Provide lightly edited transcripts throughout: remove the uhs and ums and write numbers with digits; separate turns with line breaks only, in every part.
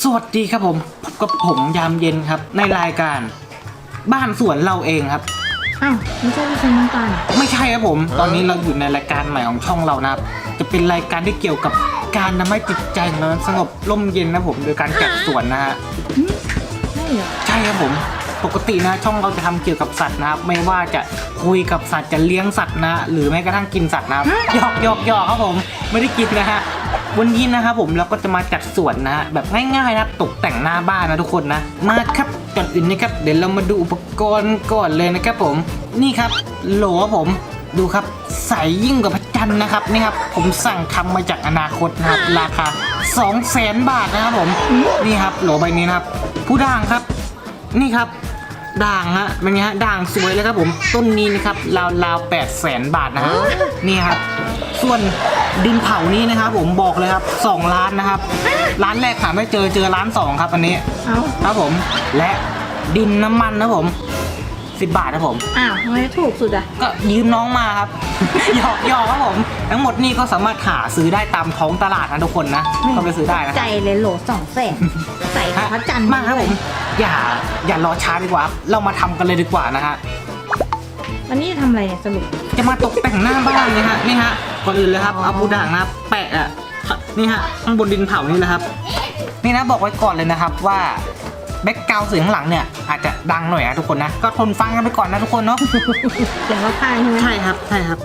วัสดีครับผมพบกับผมยามเย็นครับในรายการบ้านสวนเราเองครับ
อ้าวไม่ใช่พี่ชายน้ำตาล
ไม่ใช่ครับผมตอนนี้เราอยู่ในรายการใหม่ของช่องเรานะครับจะเป็นรายการที่เกี่ยวกับการทำให้จิตใจของเราสงบร่มเย็นนะผมโดยการจัดสวนนะฮะ
ใช่เหรอ
ใช่ครับผมปกตินะช่องเราจะทำเกี่ยวกับสัตว์นะครับไม่ว่าจะคุยกับสัตว์จะเลี้ยงสัตว์นะหรือแม้กระทั่งกินสัตว์นะครับหยอกครับผมไม่ได้กินนะฮะวันนี้นะครับผมเราก็จะมาจัดสวนนะฮะแบบง่ายๆนะตกแต่งหน้าบ้านนะทุกคนนะมาครับก่อนอื่นนะครับเดี๋ยวเรามาดูอุปกรณ์ก่อนเลยนะครับผมนี่ครับโหลผมดูครับใสยิ่งกว่าพระจันทร์นะครับนี่ครับผมสั่งทำมาจากอนาคตนะครับราคา 200,000 บาทนะครับผมนี่ครับโหลใบนี้นะครับผู้ด่างครับนี่ครับด่างฮะเป็นไงฮะด่างสวยเลยครับผมต้นนี้นะครับราว800,000 บาทนะฮะนี่ครับส่วนดินเผานี้นะครับผมบอกเลยครับ2 ล้านนะครับร้านแรกหาไม่เจอร้าน2ครับอันนี้ครับผมและดินน้ำมันนะผม10 บาทครับผม
อ้าวทำไมถูกสุดอ่ะ
ก็ยืมน้องมาครับ หยอกครับผมทั้งหมดนี่ก็สามารถหาซื้อได้ตามท้องตลาดนะทุกคนนะก็ไปซื้อได้นะ
ใจเลยโหล200,000ใส่พระจันทร์
มากครับผมอย่ารอช้าดีกว่าเรามาทำกันเลยดีกว่านะฮะ
วันนี้จะทำอะไรเนี่ยสรุป
จะมาตกแต่งหน้าบ้านเลยฮะนี่ฮะก่อนอื่นเลยครับเอาปูด่างนะแปะอ่ะนี่ฮะข้างบนดินเผานี่นะครับนี่นะบอกไว้ก่อนเลยนะครับว่าแบ็คกราวด์เสียงข้างหลังเนี่ยอาจจะดังหน่อยนะทุกคนนะก็ทนฟังกันไปก่อนนะทุกคนเนาะ
เสียงเราพายใช่ไหม
ใช่ครับ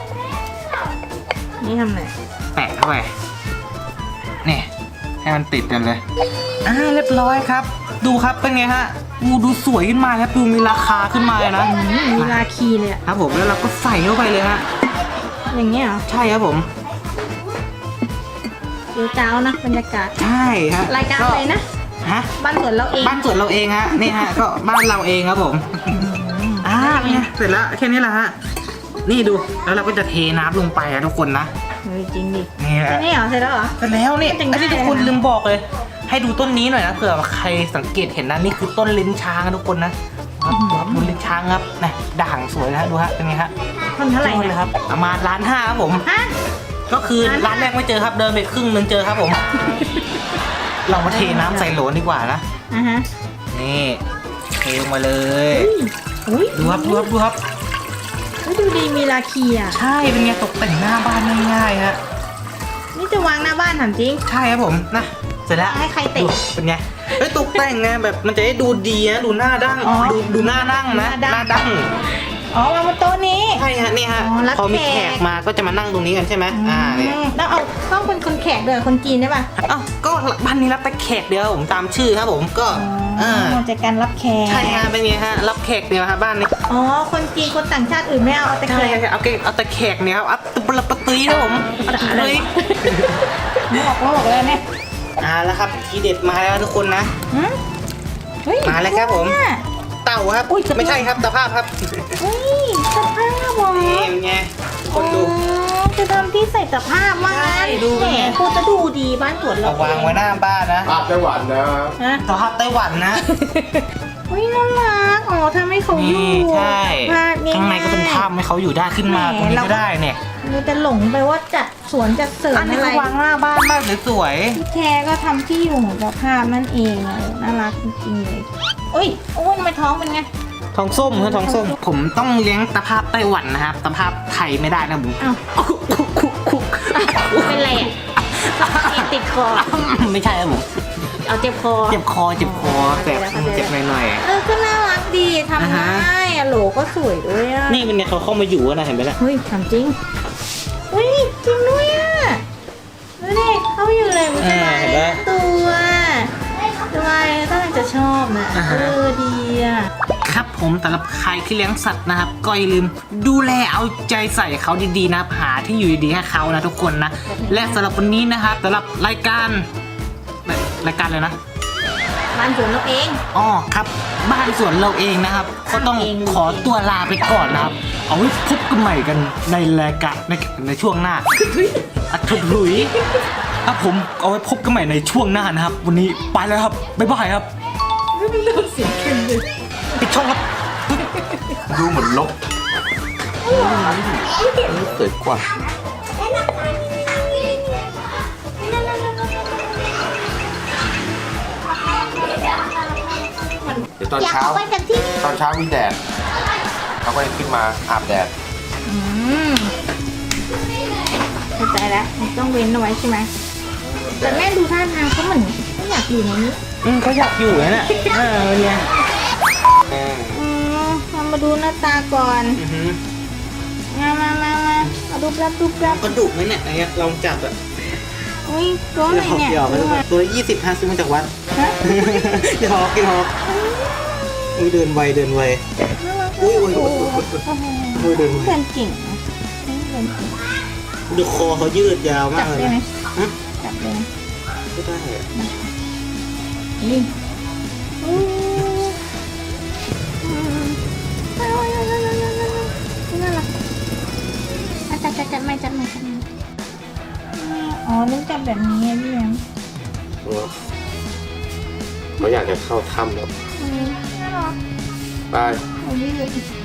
นี่ทำอะไร
แปะเข้าไปนี่ให้มันติดกันเลยเรียบร้อยครับดูครับเป็นไงฮะดูสวยขึ้นมาครับดูมีราคาขึ้นมาเลยนะ
มีราคีเลย
ครับผมแล้วเราก็ใส่เข้าไปเลยฮะ
อย่างเงี้ยเหรอ
ใช่ครับผม
เดี๋ยวเจ้านะบรรยากาศ
ใช่ฮะ
รายการอะไรนะ
ฮะ
บ้านสวนเราเอง
ฮะนี่ฮะก็บ้านเราเองครับผมเนี่ยเสร็จแล้วแค่นี้แหละฮะนี่ดูแล้วเราก็จะเทน้ำลงไปอะทุกคนนะ
จริงดิ
นี่
แค่นี้เหรอเสร็จแล้วเหรอ
เสร็จแล้วนี่อันนี้ทุกคนลืมบอกเลยให้ดูต้นนี้หน่อยนะเผื่อใครสังเกตเห็นนะนี่คือต้นลิ้นช้างนะทุกคนนะครับดูลิ้นช้างครับนะด่างสวยนะดูฮะเป็นไงฮะ
ต้นเท่าไหร่
เลยครับประมาณ1.5 ล้านครับผมก็คือร้านแรกไม่เจอครับเดินไปครึ่งนึงเจอครับผมเรามาเทน้ำใส่โหลดีกว่านะนี่เทลงมาเลยดูครับดู
ดีมีราคีอ่ะ
ใช่เป็นไงตกแต่งหน้าบ้านง่ายๆฮะ
นี่จะวางหน้าบ้านถามจริง
ใช่ครับผมนะเสร็จแล้ว
ให้ใครเตะ
เป็นไงตกแต่งไงแบบมันจะได้ดูดีนะดูหน้าดั้งดูหน้านั่งนะหน้าดั้ง
วางบนโต๊ะนี้
ใช่ฮะนี่ฮะพอมีแขกมาก็จะมานั่งตรงนี้กันใช่ไหม
เนี่ยแล้วเอาต้องเป็นคนแขกเดือคนจีนได้ป่ะ
ก็บ้านนี้รับแต่แขกเดียวผมตามชื่อครับผมก็
จากการรับแขก
ใช่ฮะเป็นไงฮะรับแขกเดียวครับบ้านนี้
คนจีนคนต่างชาติอื่นไม่เอาแต่แขก
เอาแต่แขกเนี่ยครับปะตีนะผมเลย
บอกเลยเนี่ย
แล้วครับทีเด็ดมาแล้วทุกคนนะมาแล้วครับผมเต่าครับไม่ใช่ครับตะภาพครับ
ตะภาพวะ
นี่ไงคนดู
จะทำที่ใส่ตะภาพมา
ดูไง
พูดจะดูดีบ้านสวนเรา
วางไว้หน้าบ้านนะ
ภาพไต้หวันนะ
ตะภาพไต้หวันนะ
น่ารักทำให้เขาอยู่
ใช่ข้างในก็เป็นภาพให้เขาอยู่ได้ขึ้นมาตรงนี้ก็ได้เนี่ย
เราจะหลงไปว่าจัดสวนจัดเสริมอะไร
วางหน้าบ้านมากสวย
พี่แคก็ทำที่อยู่ของตะภาพนั่นเองน่ารักจริงๆเลยโอ้ยทำไมท้องเป็นไง
ท้องส้มครับท้องส้มผมต้องเลี้ยงตะภาพไต้หวันนะครับตะภาพไทยไม่ได้นะผม
เป็นไรติดคอ
ไม่ใช่ครับผม
เอาเจ็บคอ
แต่เจ็บหน่อย
ก็น่ารักดีทำได้โหลก็สวยด้วย
นี่เป็นไงเขาเข้ามาอยู่นะเห็นไหมล่ะ
เฮ้ยทำจริงจริงด้วยดูดิเขาอยู่เลยมันจะมาตัวถ้าจะชอบนะดี
ครับผมสำหรับใครที่เลี้ยงสัตว์นะครับก็อย่าลืมดูแลเอาใจใส่เขาดีๆนะหาที่อยู่ดีๆให้เขานะทุกคนนะและสำหรับวันนี้นะครับสำหรับรายการเลยนะ
บ้านสวนเราเอง
ครับบ้านสวนเราเองนะครับก็ต้องขอตัวลาไปก่อนนะครับเอาไว้พบกันใหม่กันในรายการในช่วงหน้าถุยหลุยครับผมเอาไว้พบกันใหม่ในช่วงหน้านะครับวันนี้ไปแล้วครับบ๊ายบายครับ
เสียงเข้มเลย
ปิดช่องครับ
ดูเหมือนลบสวยกว่าคือตอน
อยาก
เช้า
ออกไปจากที่นี่
ตอนเช้ามีแดดเขาก็เลยขึ้นมาอาบแดด
อืมเข้าใจแล้วมันต้องเว้นเอาไว้ใช่ไหมแต่แม่ดูท่าทางเขาเหมือนไม่อยากอยู่ในนี้
เขาอยากอยู่นะเนี่ยเนี่ย
เรามาดูหน้าตาก่อนมาดูรับ
กระดูกไหมเนี่ยอะไรเงี้ยลองจับอะ
อุ้ยตัวอะไรเนี่ย
หยอกๆตัวละ20 50ซื้อมาจากวัด
ฮะ
หยอกอุ้ยเดินไวอุ้ยเดินไว
เพื่อนเก่งนะเพื่อนเก่ง
ดูคอเขายืดยาวมา
จั
ก
บ
เลย
ได้ไหม
นะฮะ
จับได้ไหม
ไม่ได้อะ
นี่น่ารักจับไม่อ๋อต้องจับแบบนี้พี่แอม
เขาอยากจะเข้าถ้ำแล้ว
น่ารัก
ไป
เอายืด